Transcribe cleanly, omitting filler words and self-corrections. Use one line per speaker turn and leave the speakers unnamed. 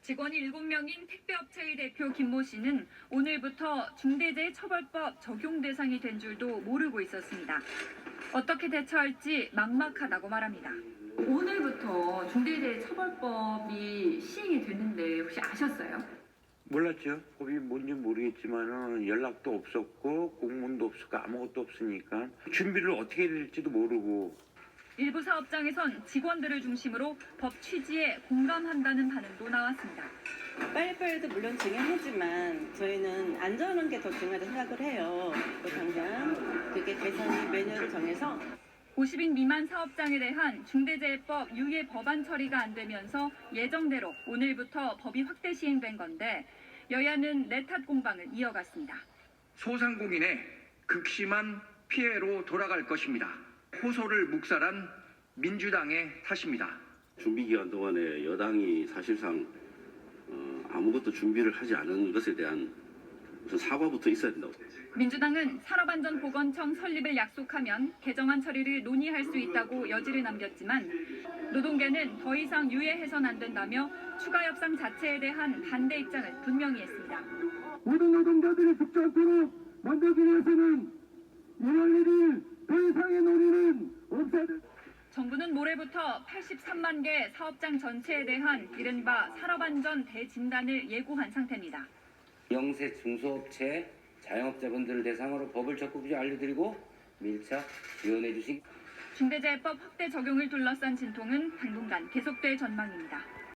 직원이 7명인 택배업체의 대표 김모 씨는 오늘부터 중대재해처벌법 적용 대상이 된 줄도 모르고 있었습니다. 어떻게 대처할지 막막하다고 말합니다. 오늘부터 중대재해처벌법이 시행이 됐는데 혹시 아셨어요?
몰랐죠. 법이 뭔지 모르겠지만은 연락도 없었고 공문도 없었고 아무것도 없으니까 준비를 어떻게 해야 될지도 모르고.
일부 사업장에선 직원들을 중심으로 법 취지에 공감한다는 반응도 나왔습니다.
빨리빨리도 물론 중요하지만 저희는 안전한 게 더 중요하다고 생각을 해요. 또 당장 그게 개선이 매뉴얼을 정해서
50인 미만 사업장에 대한 중대재해법 유예 법안 처리가 안 되면서 예정대로 오늘부터 법이 확대 시행된 건데 여야는 내탓 공방을 이어갔습니다.
소상공인의 극심한 피해로 돌아갈 것입니다. 호소를 묵살한 민주당의 탓입니다.
준비 기간 동안에 여당이 사실상 아무것도 준비를 하지 않은 것에 대한 무슨 사과부터 있어야 된다고.
민주당은 산업안전보건청 설립을 약속하면 개정안 처리를 논의할 수 있다고 여지를 남겼지만 노동계는 더 이상 유예해선 안 된다며 추가 협상 자체에 대한 반대 입장을 분명히 했습니다.
모든 노동자들이 죽지 않도록 만들기 위해서는 1월 1일 더 이상의 논의는 없어야 된다.
정부는 모레부터 83만 개 사업장 전체에 대한 이른바 산업안전 대진단을 예고한 상태입니다.
영세 중소업체 자영업자분들을 대상으로 법을 적극적으로 알려드리고 밀착 지원해 주시기.
중대재해법 확대 적용을 둘러싼 진통은 당분간 계속될 전망입니다.